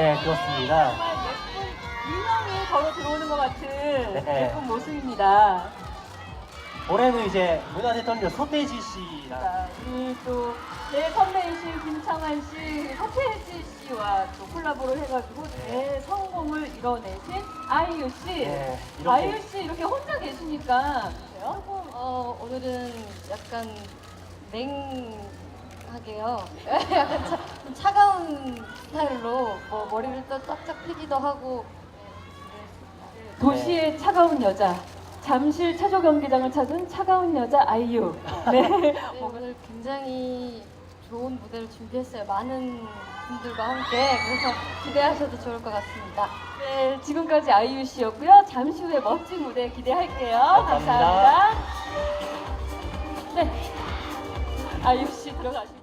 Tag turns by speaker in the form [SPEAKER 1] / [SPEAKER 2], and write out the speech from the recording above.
[SPEAKER 1] 네, 그렇습니다.
[SPEAKER 2] 정말 예쁜 인형이 걸어 들어오는 것 같은
[SPEAKER 1] 네.
[SPEAKER 2] 예쁜 모습입니다.
[SPEAKER 1] 올해는 이제 문화대통령 서태지 씨랑
[SPEAKER 2] 자, 우리 또 제 선배이신 김창완 씨, 서태지 씨와 또 콜라보를 해가지고 대성공을 이뤄내신 아이유 씨.
[SPEAKER 1] 네, 이렇게.
[SPEAKER 2] 아이유 씨 이렇게 혼자 계시니까 조금
[SPEAKER 3] 오늘은 약간 맹하게요. 약간 좀 차가운 스타일로 뭐 머리를 또 쫙쫙 펴기도 하고
[SPEAKER 2] 도시의 차가운 여자. 잠실 체조 경기장을 찾은 차가운 여자 아이유. 네.
[SPEAKER 3] 오늘 굉장히 좋은 무대를 준비했어요. 많은 분들과 함께. 그래서 기대하셔도 좋을 것 같습니다.
[SPEAKER 2] 네, 지금까지 아이유 씨였고요. 잠시 후에 멋진 무대 기대할게요.
[SPEAKER 1] 감사합니다.
[SPEAKER 2] 감사합니다. 네, 아이유 씨 들어가시죠.